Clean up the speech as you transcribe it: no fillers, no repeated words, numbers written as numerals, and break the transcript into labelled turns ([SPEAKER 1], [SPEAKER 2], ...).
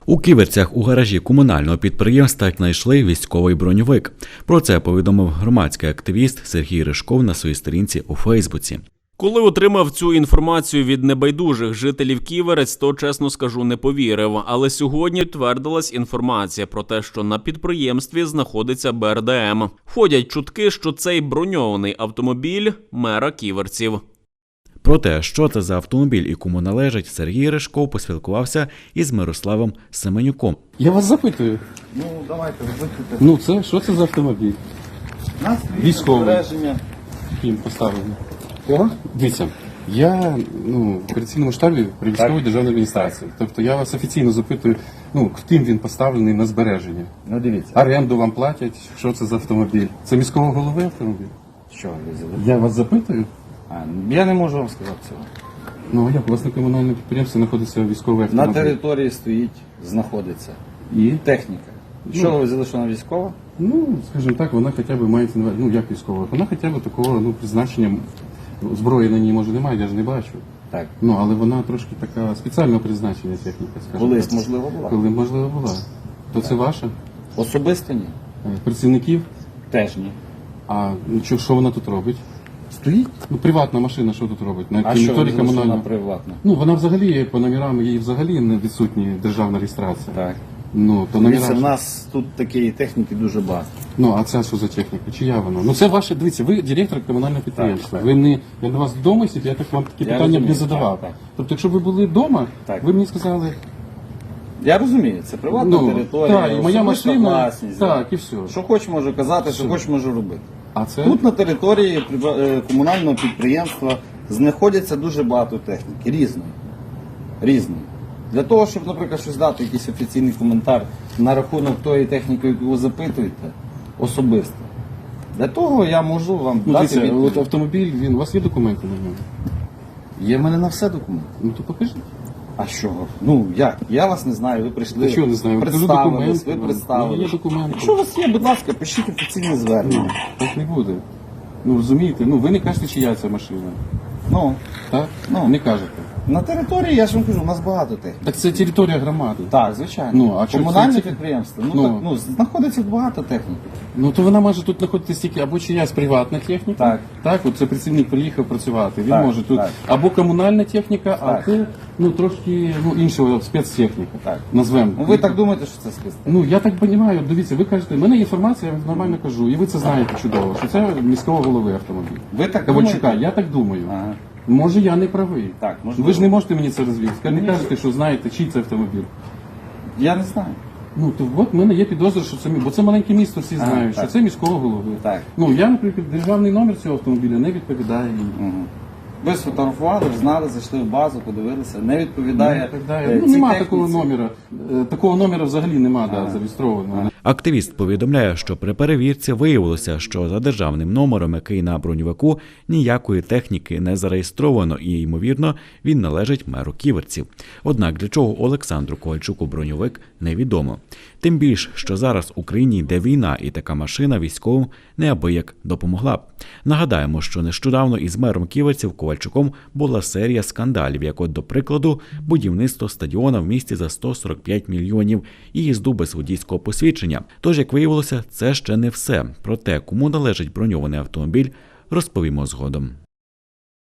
[SPEAKER 1] У Ківерцях у гаражі комунального підприємства знайшли військовий броньовик. Про це повідомив громадський активіст Сергій Ришков на своїй сторінці у Фейсбуці.
[SPEAKER 2] Коли отримав цю інформацію від небайдужих жителів Ківерець, то, чесно скажу, не повірив. Але сьогодні підтвердилась інформація про те, що на підприємстві знаходиться БРДМ. Ходять чутки, що цей броньований автомобіль мера Ківерців.
[SPEAKER 1] Про те, що це за автомобіль і кому належить, Сергій Ришков поспілкувався із Мирославом Семенюком.
[SPEAKER 3] Я вас запитую.
[SPEAKER 4] Ну, давайте, викликайте.
[SPEAKER 3] Ну, це, що це за автомобіль?
[SPEAKER 4] Нас
[SPEAKER 3] Військовий.
[SPEAKER 4] збереження.
[SPEAKER 3] Ким поставлено? Кого? Дивіться, я в операційному штабі при військовій державній адміністрації. Тобто я вас офіційно запитую, ким він поставлений на збереження.
[SPEAKER 4] Ну, дивіться.
[SPEAKER 3] Оренду вам платять, що це за автомобіль? Це міського голови автомобіль?
[SPEAKER 4] Що ви взяли?
[SPEAKER 3] Я вас запитую.
[SPEAKER 4] Я не можу вам сказати цього.
[SPEAKER 3] Ну, як у вас на комунальному підприємстві знаходиться військовий автомобіль?
[SPEAKER 4] На території стоїть, знаходиться.
[SPEAKER 3] І?
[SPEAKER 4] Техніка. Що ви взяли, що вона військова?
[SPEAKER 3] Ну, скажімо так, вона хоча б має, як військова, вона хоча б такого, призначення, зброї на ній, може, немає, я ж не бачу.
[SPEAKER 4] Так.
[SPEAKER 3] Але вона трошки така спеціального призначення техніка, скажімо.
[SPEAKER 4] Колись,
[SPEAKER 3] так.
[SPEAKER 4] можливо, була.
[SPEAKER 3] Коли, можливо, була. То це ваша?
[SPEAKER 4] Особисто ні.
[SPEAKER 3] Працівників?
[SPEAKER 4] Теж ні.
[SPEAKER 3] А що вона тут робить?
[SPEAKER 4] Стоїть?
[SPEAKER 3] Приватна машина що тут робить? На
[SPEAKER 4] А що ви
[SPEAKER 3] території
[SPEAKER 4] взяли, що вона
[SPEAKER 3] комунального?
[SPEAKER 4] приватна?
[SPEAKER 3] Вона взагалі, по номерам, її взагалі не відсутні державна реєстрація.
[SPEAKER 4] Так.
[SPEAKER 3] То
[SPEAKER 4] Дивіться, в
[SPEAKER 3] номера...
[SPEAKER 4] нас тут такої техніки дуже багато.
[SPEAKER 3] А це що за техніка? Чия вона? Це ваше, дивіться, ви директор комунального підприємства.
[SPEAKER 4] Так.
[SPEAKER 3] Ви не, я до вас вдома сидів, я так вам такі питання б не
[SPEAKER 4] розумію,
[SPEAKER 3] задавав.
[SPEAKER 4] так.
[SPEAKER 3] Тобто, якщо ви були вдома,
[SPEAKER 4] Так.
[SPEAKER 3] ви мені сказали,
[SPEAKER 4] Я розумію, це приватна територія,
[SPEAKER 3] так, і моя
[SPEAKER 4] особиста
[SPEAKER 3] машина,
[SPEAKER 4] власність.
[SPEAKER 3] так, і все.
[SPEAKER 4] Що хоч можу казати, що хоч можу робити.
[SPEAKER 3] А це?
[SPEAKER 4] Тут на території комунального підприємства знаходиться дуже багато техніки, різної. Різної. Для того, щоб, наприклад, щось дати, якийсь офіційний коментар на рахунок тої техніки, яку ви запитуєте, особисто. Для того я можу вам дати
[SPEAKER 3] Дивіться,
[SPEAKER 4] відповідь.
[SPEAKER 3] от автомобіль, у вас є документи на нього?
[SPEAKER 4] Є в мене на все документи.
[SPEAKER 3] То покажіть.
[SPEAKER 4] А що? Як? Я вас не знаю, ви прийшли,
[SPEAKER 3] Чого не знаю? Покажу
[SPEAKER 4] представились,
[SPEAKER 3] документи
[SPEAKER 4] ви
[SPEAKER 3] вам.
[SPEAKER 4] представились.
[SPEAKER 3] Є документи.
[SPEAKER 4] Якщо у вас є, будь ласка, пишіть офіційне звернення.
[SPEAKER 3] Так не буде. Розумієте, ви не кажете, чия ця машина. Так? Не кажете.
[SPEAKER 4] На території, я ж вам кажу, у нас багато техніки.
[SPEAKER 3] Так це територія громади.
[SPEAKER 4] Так, звичайно.
[SPEAKER 3] А що
[SPEAKER 4] Комунальне
[SPEAKER 3] це-
[SPEAKER 4] підприємство. Знаходиться багато техніки.
[SPEAKER 3] То вона може тут знаходитися тільки або чиясь приватна техніка.
[SPEAKER 4] Так.
[SPEAKER 3] От це працівник приїхав працювати. Він
[SPEAKER 4] Так,
[SPEAKER 3] може тут
[SPEAKER 4] так.
[SPEAKER 3] або комунальна техніка, а
[SPEAKER 4] Так.
[SPEAKER 3] це трошки іншого спецтехніка.
[SPEAKER 4] Так.
[SPEAKER 3] Назвемо.
[SPEAKER 4] Ви так думаєте, що це спецтехніка?
[SPEAKER 3] Я так розумію, дивіться, ви кажете, в мене є інформація, я вам нормально кажу, і ви це знаєте чудово, що це міського голови автомобіль.
[SPEAKER 4] Ви так
[SPEAKER 3] Ковальчука,
[SPEAKER 4] думаєте?
[SPEAKER 3] я так думаю.
[SPEAKER 4] Ага.
[SPEAKER 3] Може, я не правий.
[SPEAKER 4] Так, можливо.
[SPEAKER 3] Ви ж не можете мені це розвідати. Не кажете, що знаєте, чий це автомобіль.
[SPEAKER 4] Я не знаю.
[SPEAKER 3] То от в мене є підозра, що це бо це маленьке місто, всі
[SPEAKER 4] Ага,
[SPEAKER 3] знають,
[SPEAKER 4] так.
[SPEAKER 3] що це міського голови.
[SPEAKER 4] Так.
[SPEAKER 3] Я, наприклад, державний номер цього автомобіля не відповідає їй.
[SPEAKER 4] Ви сфотографували, знали, зайшли в базу, подивилися, не відповідає. цій
[SPEAKER 3] Нема
[SPEAKER 4] техніці.
[SPEAKER 3] такого номера. Такого номера взагалі нема зареєстрованого.
[SPEAKER 1] Активіст повідомляє, що при перевірці виявилося, що за державним номером, який на броньовику, ніякої техніки не зареєстровано і, ймовірно, він належить меру Ківерців. Однак для чого Олександру Ковальчуку броньовик – невідомо. Тим більш, що зараз в Україні йде війна і така машина військовим неабияк допомогла б. Нагадаємо, що нещодавно із мером Ківерців Ковальчуком була серія скандалів, як от, до прикладу, будівництво стадіона в місті за 145 мільйонів і їзду без водійського посвідчення. Тож, як виявилося, це ще не все. Про те, кому належить броньований автомобіль, розповімо згодом.